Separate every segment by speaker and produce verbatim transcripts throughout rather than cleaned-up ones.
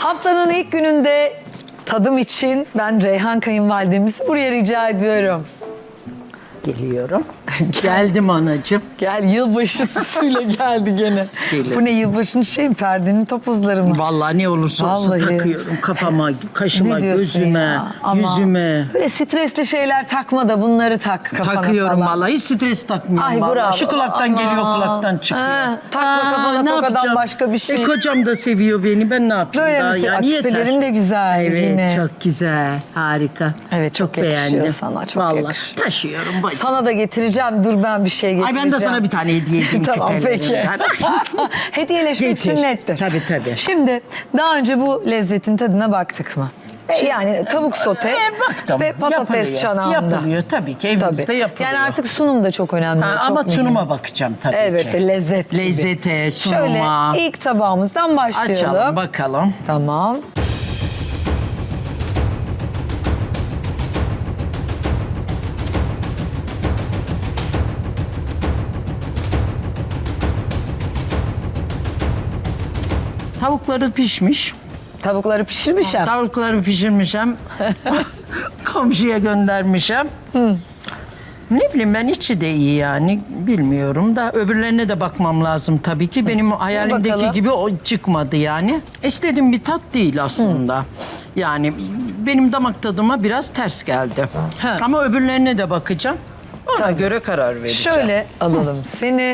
Speaker 1: Haftanın ilk gününde tadım için ben Reyhan kayınvalidemizi buraya rica ediyorum.
Speaker 2: Geliyorum. Geldim anacığım.
Speaker 1: Gel, yılbaşı süsüyle geldi gene.
Speaker 2: Gelin.
Speaker 1: Bu ne, yılbaşının şey mi, perdenin topuzları mı?
Speaker 2: Vallahi ne olursa olsun
Speaker 1: Vallahi.
Speaker 2: takıyorum. Kafama, kaşıma,
Speaker 1: Ne diyorsun
Speaker 2: gözüme,
Speaker 1: ya? Ama
Speaker 2: yüzüme.
Speaker 1: Böyle stresli şeyler takma da bunları tak kafana
Speaker 2: Takıyorum
Speaker 1: falan.
Speaker 2: vallahi. Hiç stres takmıyorum
Speaker 1: Ay,
Speaker 2: vallahi.
Speaker 1: bravo.
Speaker 2: Şu kulaktan
Speaker 1: Aman.
Speaker 2: geliyor, kulaktan çıkıyor.
Speaker 1: Ha, takma kafana
Speaker 2: ne
Speaker 1: tokadan
Speaker 2: yapacağım?
Speaker 1: başka bir şey.
Speaker 2: E, kocam da seviyor beni. Ben ne yapayım
Speaker 1: Böyle
Speaker 2: daha?
Speaker 1: mi?
Speaker 2: Yani yeter.
Speaker 1: Küpelerin de güzel
Speaker 2: Evet,
Speaker 1: yine.
Speaker 2: çok güzel. Harika.
Speaker 1: Evet, çok yakışıyor
Speaker 2: beğendim.
Speaker 1: sana, çok
Speaker 2: vallahi
Speaker 1: yakışıyor.
Speaker 2: taşıyorum bacım.
Speaker 1: Sana da getireceğim. Dur, ben bir şey
Speaker 2: Ay
Speaker 1: getireceğim.
Speaker 2: ben de sana bir tane hediye edeyim
Speaker 1: Tamam, peki.
Speaker 2: küpelerinden.
Speaker 1: Hediyeleşmek
Speaker 2: Getir.
Speaker 1: sünnettir.
Speaker 2: Tabii, tabii.
Speaker 1: Şimdi daha önce bu lezzetin tadına baktık mı? E, yani tavuk sote
Speaker 2: E, baktım.
Speaker 1: ve patates
Speaker 2: Yapılıyor.
Speaker 1: çanağında.
Speaker 2: Yapılıyor tabii ki. Evimizde
Speaker 1: Tabii.
Speaker 2: yapılıyor.
Speaker 1: Yani artık sunum da çok önemli.
Speaker 2: Ha,
Speaker 1: çok
Speaker 2: ama
Speaker 1: mühim.
Speaker 2: sunuma bakacağım tabii
Speaker 1: Evet,
Speaker 2: ki.
Speaker 1: lezzet gibi.
Speaker 2: Lezzete, sunuma.
Speaker 1: Şöyle ilk tabağımızdan başlayalım.
Speaker 2: Açalım bakalım.
Speaker 1: Tamam.
Speaker 2: Tavukları pişmiş.
Speaker 1: Tavukları pişirmişim.
Speaker 2: Tavukları pişirmişim. Komşuya göndermişim. Ne bileyim ben, içi de iyi yani, bilmiyorum da öbürlerine de bakmam lazım tabii ki. Benim hayalimdeki
Speaker 1: bakalım.
Speaker 2: gibi o çıkmadı yani. İstediğim bir tat değil aslında. Yani benim damak tadıma biraz ters geldi.
Speaker 1: Ha.
Speaker 2: Ama öbürlerine de bakacağım. Ona göre karar vereceğim.
Speaker 1: Şöyle alalım seni.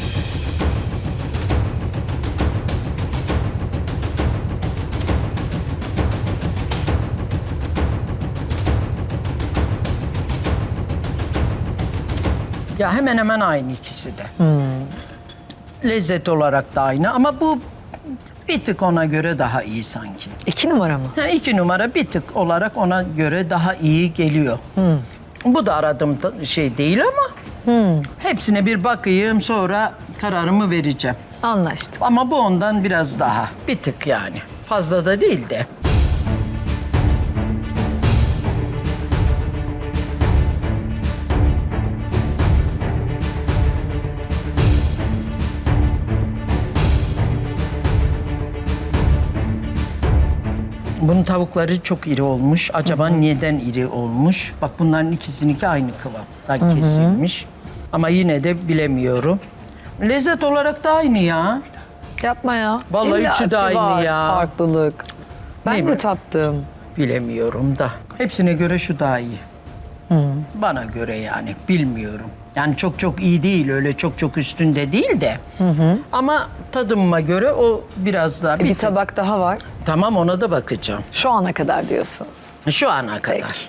Speaker 2: Ya hemen hemen aynı ikisi de. Lezzet olarak da aynı ama bu bir tık ona göre daha iyi sanki.
Speaker 1: İki numara mı?
Speaker 2: Ha, iki numara bir tık olarak ona göre daha iyi geliyor. Bu da aradığım da- şey değil ama hepsine bir bakayım, sonra kararımı vereceğim.
Speaker 1: Anlaştık.
Speaker 2: Ama bu ondan biraz daha, bir tık yani. Fazla da değil de. Bunun tavukları çok iri olmuş. Acaba neden iri olmuş? Bak bunların ikisininki aynı kıvamdan kesilmiş. Ama yine de bilemiyorum. Lezzet olarak da aynı ya.
Speaker 1: Yapma ya.
Speaker 2: Vallahi
Speaker 1: İlla
Speaker 2: içi de
Speaker 1: ki
Speaker 2: aynı
Speaker 1: var
Speaker 2: ya.
Speaker 1: farklılık. Ben
Speaker 2: Değil
Speaker 1: mi
Speaker 2: mi?
Speaker 1: tattım?
Speaker 2: Bilemiyorum da. Hepsine göre şu daha iyi. Bana göre yani, bilmiyorum. Yani çok çok iyi değil, öyle çok çok üstünde değil de. Ama tadıma göre o biraz daha
Speaker 1: E,
Speaker 2: bir,
Speaker 1: bir
Speaker 2: tık-
Speaker 1: tabak daha var.
Speaker 2: Tamam, ona da bakacağım.
Speaker 1: Şu ana kadar diyorsun.
Speaker 2: Şu ana kadar.
Speaker 1: Peki.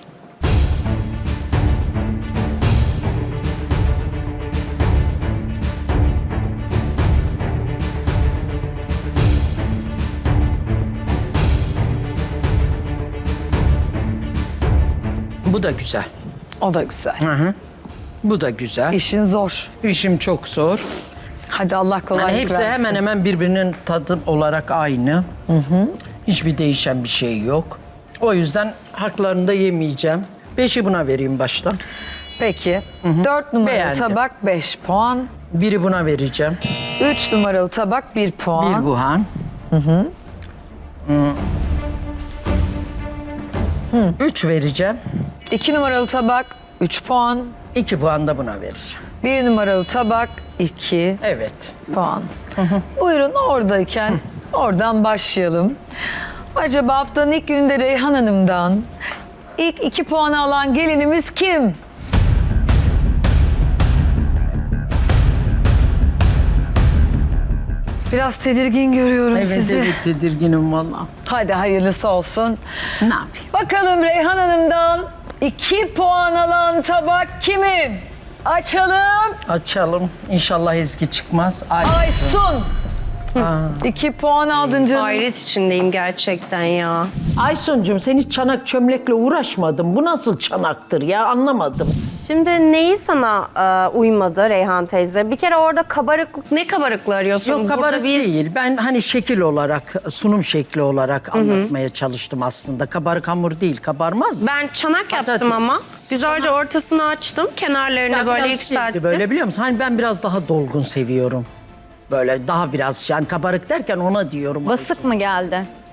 Speaker 2: Bu da güzel.
Speaker 1: O da güzel.
Speaker 2: Hı hı. Bu da güzel.
Speaker 1: İşin zor.
Speaker 2: İşim çok zor.
Speaker 1: Hadi Allah kolaylık
Speaker 2: Yani hepsi
Speaker 1: versin.
Speaker 2: hemen hemen birbirinin tadı olarak aynı. Hiçbir değişen bir şey yok. O yüzden haklarını da yemeyeceğim. Beşi buna vereyim baştan.
Speaker 1: Peki. Dört numaralı
Speaker 2: Beğendim.
Speaker 1: tabak beş puan.
Speaker 2: Biri buna vereceğim.
Speaker 1: Üç numaralı tabak bir puan.
Speaker 2: Bir buhan. Üç vereceğim.
Speaker 1: İki numaralı tabak üç puan.
Speaker 2: İki puan da buna vereceğim.
Speaker 1: Bir numaralı tabak iki
Speaker 2: Evet.
Speaker 1: puan. Buyurun, oradayken oradan başlayalım. Acaba haftanın ilk gününde Reyhan Hanım'dan ilk iki puanı alan gelinimiz kim? Biraz tedirgin görüyorum
Speaker 2: Evet,
Speaker 1: sizi.
Speaker 2: evet tedirginim valla.
Speaker 1: Hadi hayırlısı olsun.
Speaker 2: Ne yapayım?
Speaker 1: Bakalım Reyhan Hanım'dan iki puan alan tabak kimin? Açalım.
Speaker 2: Açalım. İnşallah Ezgi çıkmaz. Ay.
Speaker 1: Aysun. İki puan aldın canım.
Speaker 3: Hayret içindeyim gerçekten ya.
Speaker 2: Aysuncuğum, sen hiç çanak çömlekle uğraşmadın. Bu nasıl çanaktır ya, anlamadım.
Speaker 3: Şimdi neyi sana e, uymadı Reyhan teyze? Bir kere orada kabarıklık, ne kabarıklığı arıyorsun?
Speaker 2: Yok,
Speaker 3: Burada
Speaker 2: kabarık
Speaker 3: biz-
Speaker 2: değil. Ben hani şekil olarak, sunum şekli olarak anlatmaya çalıştım aslında. Kabarık hamur değil, kabarmaz.
Speaker 3: Ben çanak
Speaker 2: Patates.
Speaker 3: yaptım ama. Güzelce ortasını açtım, kenarlarını
Speaker 2: Ya
Speaker 3: böyle
Speaker 2: biraz
Speaker 3: yükselttim.
Speaker 2: şeydi Böyle biliyor musun? Hani ben biraz daha dolgun seviyorum. Böyle daha biraz, yani kabarık derken ona diyorum.
Speaker 4: Basık mı geldi?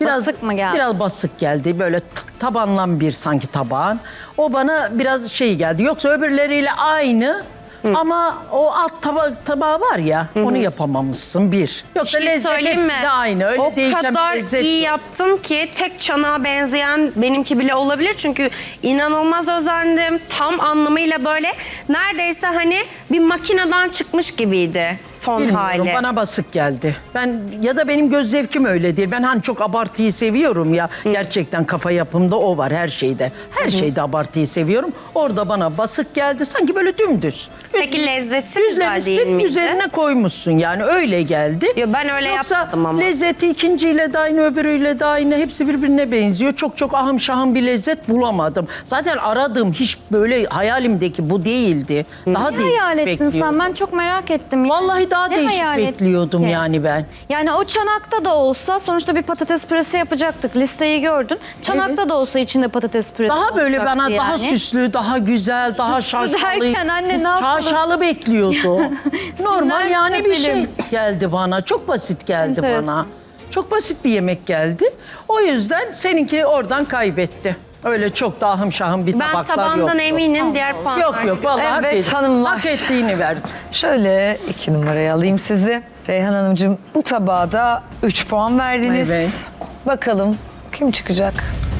Speaker 4: Basık mı geldi?
Speaker 2: Biraz basık geldi. Böyle t- tabanlan bir sanki tabağın. O bana biraz şey geldi. Yoksa öbürleriyle aynı. Ama o alt taba tabağı var ya, onu yapamamışsın bir. Yoksa
Speaker 3: Bir şey
Speaker 2: lezzet
Speaker 3: söyleyeyim mi?
Speaker 2: hepsi de aynı. Öyle
Speaker 3: o
Speaker 2: değişen bir
Speaker 3: kadar
Speaker 2: lezzet
Speaker 3: iyi
Speaker 2: yok.
Speaker 3: yaptım ki tek çanağa benzeyen benimki bile olabilir. Çünkü inanılmaz özendim. Tam anlamıyla böyle neredeyse hani bir makineden çıkmış gibiydi son
Speaker 2: Bilmiyorum,
Speaker 3: hali.
Speaker 2: bana basık geldi. Ben ya da benim göz zevkim öyle değil. Ben hani çok abartıyı seviyorum ya. Gerçekten kafa yapımda o var her şeyde. Her şeyde abartıyı seviyorum. Orada bana basık geldi. Sanki böyle dümdüz.
Speaker 3: Peki lezzeti güzel değil
Speaker 2: Düzlemişsin,
Speaker 3: miydi?
Speaker 2: üzerine koymuşsun yani öyle geldi.
Speaker 3: Yo, ben öyle
Speaker 2: Yoksa
Speaker 3: yapmadım ama.
Speaker 2: lezzeti ikinciyle de aynı, öbürüyle de aynı. Hepsi birbirine benziyor. Çok çok ahım şahım bir lezzet bulamadım. Zaten aradığım hiç böyle hayalimdeki bu değildi. Daha
Speaker 4: Ne
Speaker 2: değişik
Speaker 4: hayal ettin
Speaker 2: bekliyordum.
Speaker 4: sen? Ben çok merak ettim.
Speaker 2: Vallahi daha
Speaker 4: Ne
Speaker 2: değişik
Speaker 4: hayal ettin
Speaker 2: bekliyordum
Speaker 4: ki?
Speaker 2: yani ben.
Speaker 4: Yani o çanakta da olsa sonuçta bir patates püresi yapacaktık. Listeyi gördün. Çanakta da olsa içinde patates püresi
Speaker 2: Daha böyle
Speaker 4: olacaktı
Speaker 2: bana daha
Speaker 4: yani.
Speaker 2: süslü, daha güzel, daha şaşalı.
Speaker 4: derken anne ne yapalım?
Speaker 2: Şaşalı bekliyordu. Normal
Speaker 4: Sinirler
Speaker 2: yani bir şey
Speaker 4: tepelim.
Speaker 2: geldi bana. Çok basit geldi
Speaker 4: Enteresan.
Speaker 2: bana. Çok basit bir yemek geldi. O yüzden seninki oradan kaybetti. Öyle çok da ahım şahım bir
Speaker 3: Ben
Speaker 2: tabaklar
Speaker 3: tabandan
Speaker 2: yoktu.
Speaker 3: eminim diğer puanlar.
Speaker 2: Yok yok vallahi hak,
Speaker 1: Evet,
Speaker 2: et-
Speaker 1: hanımlar.
Speaker 2: hak ettiğini verdim.
Speaker 1: Şöyle iki numarayı alayım sizi. Reyhan Hanımcığım bu tabağa da üç puan verdiniz.
Speaker 2: Evet.
Speaker 1: Bakalım kim çıkacak?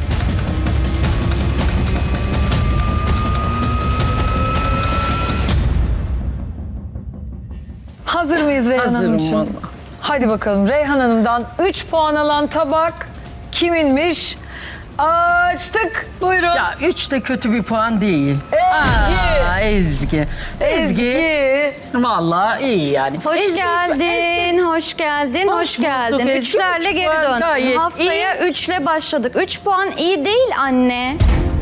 Speaker 1: Hazır mıyız Reyhan
Speaker 2: Hazırım
Speaker 1: Hanımcığım?
Speaker 2: vallahi.
Speaker 1: Hadi bakalım Reyhan Hanım'dan üç puan alan tabak kiminmiş? Açtık. Buyurun.
Speaker 2: Ya üç de kötü bir puan değil.
Speaker 1: Ezgi.
Speaker 2: Aa, Ezgi. Ezgi.
Speaker 1: Ezgi.
Speaker 2: Vallahi iyi yani.
Speaker 4: Hoş
Speaker 2: Ezgi-
Speaker 4: geldin, hoş geldin, hoş,
Speaker 2: Hoş bulduk
Speaker 4: geldin.
Speaker 2: Ezgi.
Speaker 4: Üçlerle
Speaker 2: Üç
Speaker 4: geri
Speaker 2: puan
Speaker 4: dön.
Speaker 2: gayet
Speaker 4: Haftaya üçle başladık. Üç puan iyi değil anne.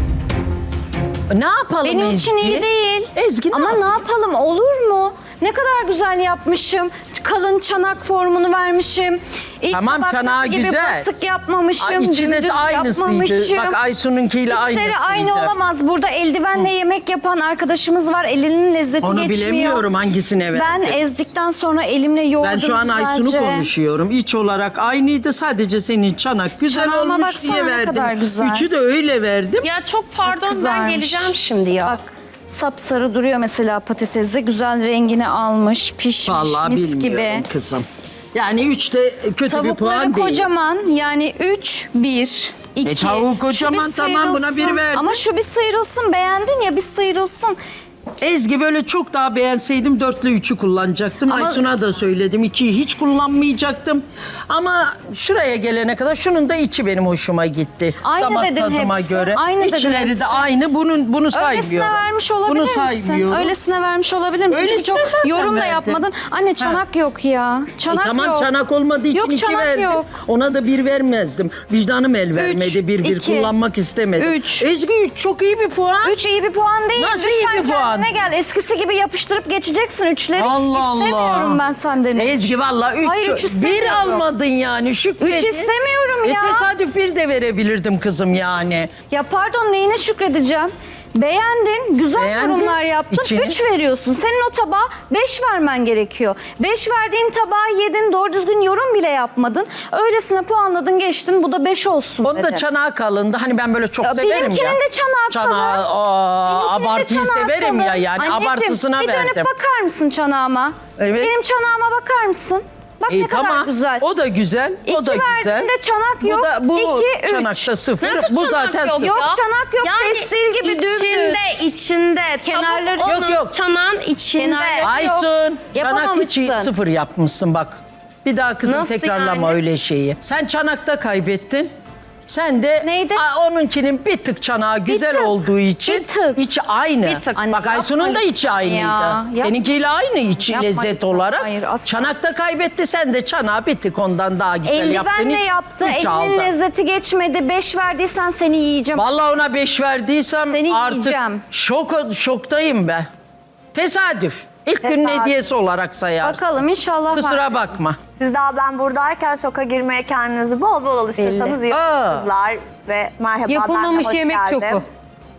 Speaker 2: Ne yapalım
Speaker 4: Benim
Speaker 2: Ezgi?
Speaker 4: için iyi değil.
Speaker 2: Ezgi ne
Speaker 4: Ama
Speaker 2: yapalım?
Speaker 4: ne yapalım olur mu? Ne kadar güzel yapmışım. Kalın çanak formunu vermişim. İlk
Speaker 2: Tamam,
Speaker 4: tabaktaki
Speaker 2: çanağı
Speaker 4: gibi
Speaker 2: güzel.
Speaker 4: basık yapmamışım.
Speaker 2: Ay, içinde
Speaker 4: dümdüz
Speaker 2: de aynısıydı.
Speaker 4: yapmamışım.
Speaker 2: Bak Aysun'unkiyle aynısıydı.
Speaker 4: İçleri aynı olamaz. Burada eldivenle yemek yapan arkadaşımız var. Elinin lezzeti
Speaker 2: Onu
Speaker 4: geçmiyor.
Speaker 2: bilemiyorum hangisine verdi.
Speaker 4: Ben ezdikten sonra elimle yoğurdum
Speaker 2: Ben şu an Aysun'u
Speaker 4: güzelce.
Speaker 2: konuşuyorum. İç olarak aynıydı. Sadece senin çanak güzel
Speaker 4: Çanağıma
Speaker 2: olmuş
Speaker 4: baksana
Speaker 2: diye
Speaker 4: ne
Speaker 2: verdim.
Speaker 4: kadar güzel.
Speaker 2: Üçü de öyle verdim.
Speaker 3: Ya çok pardon ben
Speaker 4: kızarmış.
Speaker 3: geleceğim şimdi ya.
Speaker 4: Bak sapsarı duruyor mesela patatesi. Güzel rengini almış, pişmiş,
Speaker 2: Vallahi
Speaker 4: mis
Speaker 2: bilmiyorum
Speaker 4: gibi.
Speaker 2: kızım. Yani üç de kötü bir
Speaker 4: Tavukları
Speaker 2: puan değil.
Speaker 4: kocaman yani üç, bir, iki.
Speaker 2: E, tavuğu
Speaker 4: Şu
Speaker 2: kocaman,
Speaker 4: bir
Speaker 2: tamam, buna bir
Speaker 4: sıyrılsın.
Speaker 2: verdim.
Speaker 4: Ama şu bir sıyrılsın beğendin ya bir sıyrılsın.
Speaker 2: Ezgi böyle çok daha beğenseydim dörtle üçü kullanacaktım.
Speaker 4: Ama-
Speaker 2: Aysun'a da söyledim. ikiyi hiç kullanmayacaktım. Ama şuraya gelene kadar şunun da içi benim hoşuma gitti.
Speaker 4: Aynı
Speaker 2: Damak
Speaker 4: dedin
Speaker 2: tadıma
Speaker 4: hepsi,
Speaker 2: göre.
Speaker 4: aynı dedin
Speaker 2: İçleri
Speaker 4: hepsi.
Speaker 2: de aynı. Bunun, bunu saymıyorum.
Speaker 4: Öylesine vermiş olabilir
Speaker 2: Bunu
Speaker 4: misin?
Speaker 2: saymıyorum.
Speaker 4: Öylesine vermiş olabilir misin? Çünkü
Speaker 2: Öylesine
Speaker 4: çok
Speaker 2: zaten
Speaker 4: yorum da
Speaker 2: verdim.
Speaker 4: yapmadın. Anne çanak yok ya.
Speaker 2: E
Speaker 4: Çanak
Speaker 2: tamam
Speaker 4: yok.
Speaker 2: çanak olmadığı için
Speaker 4: Yok,
Speaker 2: iki
Speaker 4: çanak
Speaker 2: verdim.
Speaker 4: yok.
Speaker 2: Ona da bir vermezdim. Vicdanım el vermedi. bir bir
Speaker 4: iki,
Speaker 2: kullanmak istemedim.
Speaker 4: üç.
Speaker 2: Ezgi üç çok iyi bir puan.
Speaker 4: Üç iyi bir puan değil.
Speaker 2: Nasıl iyi
Speaker 4: Lütfen
Speaker 2: bir puan?
Speaker 4: kendine gel. Eskisi gibi yapıştırıp geçeceksin üçleri.
Speaker 2: Allah Allah.
Speaker 4: İstemiyorum ben senden. üç.
Speaker 2: Ezgi valla üç.
Speaker 4: Hayır, üç
Speaker 2: bir
Speaker 4: istemiyorum.
Speaker 2: almadın yani şükredin.
Speaker 4: Üç istemiyorum ya.
Speaker 2: E tesadüf bir de verebilirdim kızım yani.
Speaker 4: Ya pardon neyine şükredeceğim? Beğendin, güzel
Speaker 2: Beğendim.
Speaker 4: yorumlar yaptın.
Speaker 2: İçini-
Speaker 4: Üç veriyorsun. Senin o tabağa beş vermen gerekiyor. Beş verdiğin tabağı yedin, doğru düzgün yorum bile yapmadın. Öylesine puanladın, geçtin. Bu da beş olsun
Speaker 2: Onun da
Speaker 4: dedim.
Speaker 2: çanağı kalındı. Hani ben böyle çok
Speaker 4: Ya
Speaker 2: severim
Speaker 4: benimkinin
Speaker 2: ya.
Speaker 4: de çanağı kalın.
Speaker 2: Çanağı, aa,
Speaker 4: Benimkinin de
Speaker 2: abartıyı
Speaker 4: çanağı
Speaker 2: severim
Speaker 4: kalın.
Speaker 2: ya yani.
Speaker 4: Anneciğim,
Speaker 2: Abartısına
Speaker 4: bir dönüp
Speaker 2: verdim.
Speaker 4: bakar mısın çanağıma?
Speaker 2: Evet.
Speaker 4: Benim çanağıma bakar mısın? Bak
Speaker 2: E,
Speaker 4: ne kadar
Speaker 2: tamam.
Speaker 4: güzel.
Speaker 2: O da güzel.
Speaker 4: İki
Speaker 2: o da güzel.
Speaker 4: verdiğinde çanak yok.
Speaker 2: Bu da bu
Speaker 4: İki, üç.
Speaker 2: çanakta sıfır.
Speaker 3: Nasıl
Speaker 2: bu
Speaker 3: çanak
Speaker 2: zaten
Speaker 3: yok?
Speaker 2: sıfır.
Speaker 4: Yok
Speaker 3: Ya.
Speaker 4: çanak yok.
Speaker 3: Yani
Speaker 4: Pestil gibi dümdüz.
Speaker 3: içinde, içinde.
Speaker 4: Kenarları-
Speaker 3: Tavuk
Speaker 2: Yok,
Speaker 3: onun,
Speaker 2: yok.
Speaker 3: çanağın içinde.
Speaker 4: Kenarları-
Speaker 2: Aysun, çanak
Speaker 4: Yapamamışsın.
Speaker 2: içi sıfır yapmışsın bak. Bir daha kızım
Speaker 3: Nasıl
Speaker 2: tekrarlama
Speaker 3: yani?
Speaker 2: öyle şeyi. Sen çanakta kaybettin. Sen de
Speaker 4: Neydi?
Speaker 2: a, onunkinin bir tık çanağı güzel
Speaker 4: tık,
Speaker 2: olduğu için
Speaker 4: bir tık.
Speaker 2: içi aynı.
Speaker 3: Bir tık.
Speaker 4: Anne,
Speaker 2: Bak Aysun'un da
Speaker 4: yapma
Speaker 2: içi
Speaker 4: lütfen
Speaker 2: aynıydı.
Speaker 4: ya. Yap-
Speaker 2: Seninkiyle aynı içi
Speaker 4: Yapma
Speaker 2: lezzet
Speaker 4: lütfen.
Speaker 2: olarak.
Speaker 4: Hayır, asla.
Speaker 2: Çanakta kaybetti, sen de çanağı bir tık ondan daha güzel yaptın.
Speaker 4: Eldivenle
Speaker 2: Hiç-
Speaker 4: yaptı.
Speaker 2: hiç
Speaker 4: Elinin
Speaker 2: aldın.
Speaker 4: lezzeti geçmedi. Beş verdiysen seni yiyeceğim.
Speaker 2: Vallahi ona beş verdiysem
Speaker 4: Seni
Speaker 2: artık
Speaker 4: yiyeceğim.
Speaker 2: şok, şoktayım ben. Tesadüf. İlk günün
Speaker 5: Tesadüf.
Speaker 2: hediyesi olarak sayarsın.
Speaker 4: Bakalım inşallah. var.
Speaker 2: Kusura bakma.
Speaker 5: Siz daha ben buradayken şoka girmeye kendinizi bol bol alıştırsanız iyi
Speaker 2: Aa.
Speaker 5: olur kızlar. Ve merhaba
Speaker 6: Yapılmamış
Speaker 5: ben de hoş
Speaker 6: yemek
Speaker 5: geldim.
Speaker 6: şoku.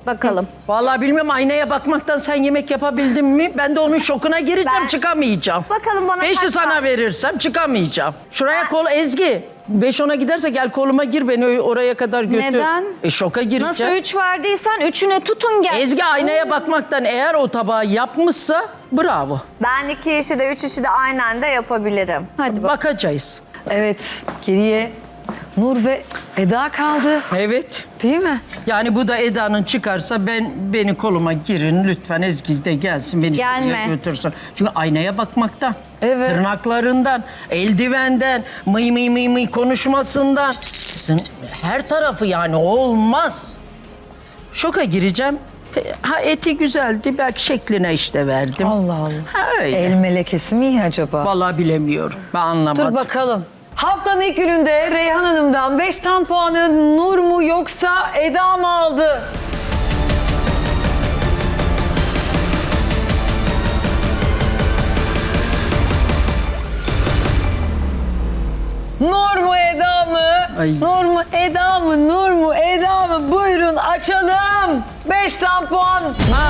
Speaker 4: Bakalım.
Speaker 2: Vallahi bilmiyorum, aynaya bakmaktan sen yemek yapabildin mi? Ben de onun şokuna gireceğim,
Speaker 5: Ben-
Speaker 2: çıkamayacağım.
Speaker 5: Bakalım bana
Speaker 2: Beşi
Speaker 5: kaç
Speaker 2: sana
Speaker 5: tane-
Speaker 2: verirsem çıkamayacağım. Şuraya kol Ezgi. Beş ona giderse gel koluma gir, beni oraya kadar götür.
Speaker 4: Neden?
Speaker 2: E şoka gireceğim.
Speaker 4: Nasıl üç verdiysen üçüne tutun gel.
Speaker 2: Ezgi aynaya bakmaktan eğer o tabağı yapmışsa bravo.
Speaker 5: Ben iki işi de üç işi de aynı anda yapabilirim.
Speaker 4: Hadi bak.
Speaker 2: Bakacağız.
Speaker 1: Evet, geriye Nur ve Eda kaldı.
Speaker 2: Evet.
Speaker 1: Değil mi?
Speaker 2: Yani bu da Eda'nın çıkarsa ben beni koluma girin lütfen, Ezgi de gelsin beni
Speaker 4: Gelme.
Speaker 2: şuraya götürsün. Çünkü aynaya bakmaktan,
Speaker 1: Evet.
Speaker 2: tırnaklarından, eldivenden, mıy mıy mıy mıy konuşmasından. Kızın her tarafı yani olmaz. Şoka gireceğim. Te- Ha eti güzeldi, belki şekline işte verdim.
Speaker 1: Allah Allah.
Speaker 2: Ha öyle.
Speaker 1: El melekesi mi iyi acaba?
Speaker 2: Vallahi bilemiyorum. Ben anlamadım.
Speaker 1: Dur bakalım. Haftanın ilk gününde Reyhan Hanım'dan beş tam puanı Nur mu yoksa Eda mı aldı? Nur mu Eda mı?
Speaker 2: Ay.
Speaker 1: Nur mu Eda mı? Nur mu Eda mı? Buyurun açalım. beş tam puan.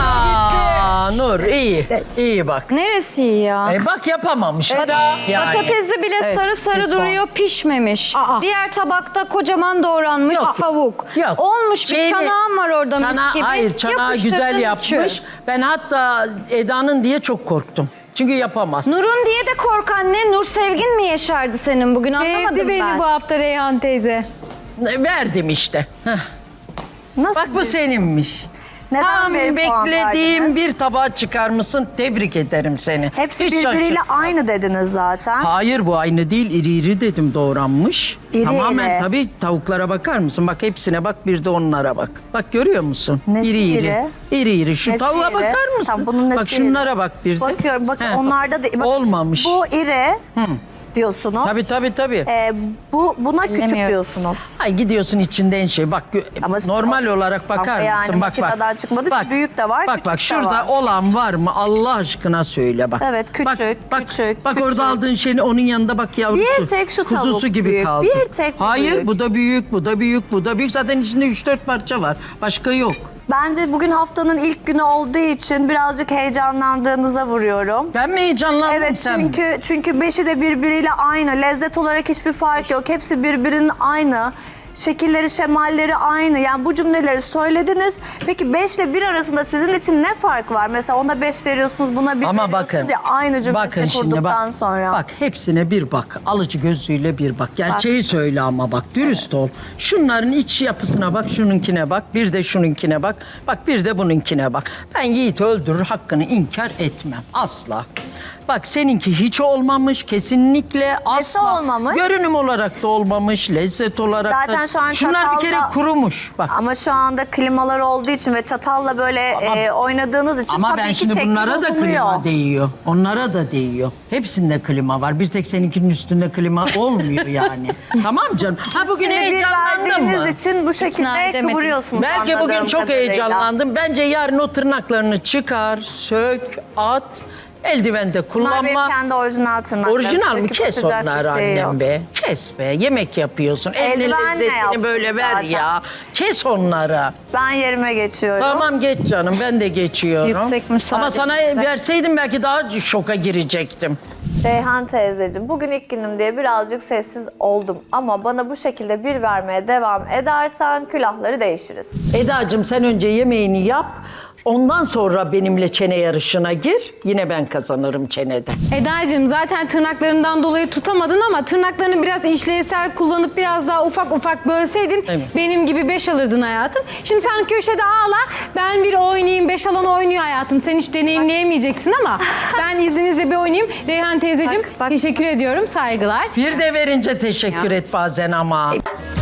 Speaker 2: Aa, Nur iyi. İyi bak.
Speaker 4: Neresi iyi ya?
Speaker 2: E bak yapamamış.
Speaker 1: Eda.
Speaker 2: Yani.
Speaker 4: Patatesi bile
Speaker 1: Evet,
Speaker 4: sarı sarı
Speaker 1: lütfen.
Speaker 4: duruyor, pişmemiş.
Speaker 1: Aa.
Speaker 4: Diğer tabakta kocaman doğranmış
Speaker 2: Yok.
Speaker 4: tavuk.
Speaker 2: Yok.
Speaker 4: Olmuş bir
Speaker 2: Şeyini-
Speaker 4: çanağım var orada mis
Speaker 2: Çana-
Speaker 4: gibi.
Speaker 2: Hayır, çanağı
Speaker 4: Yapıştırdın
Speaker 2: güzel
Speaker 4: üçü.
Speaker 2: yapmış. Ben hatta Eda'nın diye çok korktum. Çünkü yapamaz.
Speaker 4: Nur'un diye de kork anne. Nur sevgin mi yeşerdi senin bugün anlamadım
Speaker 6: Sevdi beni
Speaker 4: ben.
Speaker 6: bu hafta Reyhan teyze.
Speaker 2: Verdim işte. Heh.
Speaker 5: Nasıl?
Speaker 2: Bak bu seninmiş.
Speaker 5: Neden
Speaker 2: Tam
Speaker 5: benim puan
Speaker 2: beklediğim
Speaker 5: verdiniz?
Speaker 2: bir tabağa çıkarmışsın. Tebrik ederim seni.
Speaker 5: Hepsi
Speaker 2: Hiç
Speaker 5: birbiriyle
Speaker 2: şaşır-
Speaker 5: aynı dediniz zaten.
Speaker 2: Hayır, bu aynı değil. İri iri dedim, doğranmış.
Speaker 5: İri
Speaker 2: Tamamen
Speaker 5: iri.
Speaker 2: tabii tavuklara bakar mısın? Bak hepsine bak, bir de onlara bak. Bak görüyor musun?
Speaker 5: Nesi
Speaker 2: iri iri.
Speaker 5: iri?
Speaker 2: İri iri. Şu
Speaker 5: Nesi
Speaker 2: tavuğa
Speaker 5: iri?
Speaker 2: bakar mısın?
Speaker 5: Tamam, bunun nesi
Speaker 2: bak şunlara
Speaker 5: iri?
Speaker 2: bak bir de.
Speaker 5: Bakıyorum bakın
Speaker 2: He,
Speaker 5: onlarda da... bak,
Speaker 2: Olmamış.
Speaker 5: Bu iri diyorsunuz.
Speaker 2: Tabii tabii tabii.
Speaker 5: Ee, bu buna küçük
Speaker 4: Bilemiyorum.
Speaker 5: diyorsunuz.
Speaker 2: Ay gidiyorsun içinden şey bak gö-
Speaker 5: Ama-
Speaker 2: normal olarak bakar
Speaker 5: Ama yani
Speaker 2: mısın? Bak bak.
Speaker 5: makineden çıkmadı ki, büyük de var,
Speaker 2: Bak
Speaker 5: küçük
Speaker 2: bak
Speaker 5: de
Speaker 2: şurada
Speaker 5: var.
Speaker 2: olan var mı? Allah aşkına söyle bak.
Speaker 5: Evet, küçük,
Speaker 2: bak, bak,
Speaker 5: küçük,
Speaker 2: Bak
Speaker 5: küçük.
Speaker 2: orada aldığın şeyin onun yanında bak yavrusu.
Speaker 5: Bir tek şu tavuk
Speaker 2: Kuzusu gibi
Speaker 5: büyük,
Speaker 2: kaldı.
Speaker 5: bir tek bu
Speaker 2: Hayır
Speaker 5: büyük.
Speaker 2: bu da büyük, bu da büyük, bu da büyük. Zaten içinde üç dört parça var. Başka yok.
Speaker 5: Bence bugün haftanın ilk günü olduğu için birazcık heyecanlandığınıza vuruyorum.
Speaker 2: Ben mi heyecanlandım
Speaker 5: Evet
Speaker 2: sen mi?
Speaker 5: çünkü çünkü beşi de birbiriyle aynı. Lezzet olarak hiçbir fark yok. Hepsi birbirinin aynı. Şekilleri, şemalleri aynı. Yani bu cümleleri söylediniz. Peki beş ile bir arasında sizin için ne fark var? Mesela ona beş veriyorsunuz, buna bir
Speaker 2: Ama
Speaker 5: veriyorsunuz
Speaker 2: bakın.
Speaker 5: ya aynı cümlesini
Speaker 2: bakın şimdi
Speaker 5: kurduktan
Speaker 2: bak,
Speaker 5: sonra.
Speaker 2: Bak hepsine bir bak. Alıcı gözüyle bir bak. Gerçeği söyle ama bak. Dürüst ol. Şunların iç yapısına bak. Şununkine bak. Bir de şununkine bak. Bak bir de bununkine bak. Ben Yiğit öldürür hakkını inkar etmem. Asla. Bak seninki hiç olmamış. Kesinlikle asla.
Speaker 5: olmamış?
Speaker 2: Görünüm olarak da olmamış. Lezzet olarak
Speaker 5: Zaten
Speaker 2: da.
Speaker 5: şu an
Speaker 2: Şunlar bir kere
Speaker 5: çatalla-
Speaker 2: kurumuş. Bak.
Speaker 5: Ama şu anda klimalar olduğu için ve çatalla böyle
Speaker 2: Ama-
Speaker 5: e, oynadığınız için
Speaker 2: Ama
Speaker 5: tabii
Speaker 2: ben
Speaker 5: ki
Speaker 2: şimdi
Speaker 5: şekli
Speaker 2: bunlara da
Speaker 5: bozuluyor.
Speaker 2: klima değiyor. Onlara da değiyor. Hepsinde klima var. Bir tek seninkinin üstünde klima olmuyor yani. Tamam canım. Ha bugün
Speaker 5: Şimdi bir
Speaker 2: heyecanlandın
Speaker 5: verdiğiniz
Speaker 2: mı?
Speaker 5: için bu
Speaker 4: İkna
Speaker 5: şekilde
Speaker 4: edemedim.
Speaker 5: kıvırıyorsunuz
Speaker 2: Belki bugün
Speaker 5: anladığım
Speaker 2: çok
Speaker 5: kadarıyla.
Speaker 2: heyecanlandım. Bence yarın o tırnaklarını çıkar, sök, at. Eldivende
Speaker 5: Bunlar benim
Speaker 2: kullanma.
Speaker 5: kendi orijinal tırnaklarım.
Speaker 2: Orijinal mi?
Speaker 5: Söküp
Speaker 2: Kes
Speaker 5: atacak bir
Speaker 2: onları
Speaker 5: şey yok.
Speaker 2: annem be. Kes be. Yemek yapıyorsun. Eline
Speaker 5: Eldivenle
Speaker 2: lezzetini
Speaker 5: yaptım
Speaker 2: böyle ver
Speaker 5: zaten.
Speaker 2: ya. Kes onları.
Speaker 5: Ben yerime geçiyorum.
Speaker 2: Tamam geç canım, ben de geçiyorum.
Speaker 4: Yüksek müsaade
Speaker 2: Ama sana
Speaker 4: bizde.
Speaker 2: verseydim belki daha şoka girecektim.
Speaker 5: Reyhan teyzeciğim, bugün ilk günüm diye birazcık sessiz oldum. Ama bana bu şekilde bir vermeye devam edersen külahları değişiriz.
Speaker 2: Eda'cığım sen önce yemeğini yap. Ondan sonra benimle çene yarışına gir. Yine ben kazanırım çenede.
Speaker 6: Eda'cığım zaten tırnaklarından dolayı tutamadın ama tırnaklarını biraz işlevsel kullanıp biraz daha ufak ufak bölseydin
Speaker 2: Evet.
Speaker 6: benim gibi beş alırdın hayatım. Şimdi sen köşede ağla, ben bir oynayayım, beş alan oynuyor hayatım. Sen hiç deneyimleyemeyeceksin ama ben izninizle bir oynayayım. Reyhan teyzeciğim
Speaker 4: Bak, bak.
Speaker 6: teşekkür ediyorum, saygılar.
Speaker 2: Bir de verince teşekkür et bazen ama.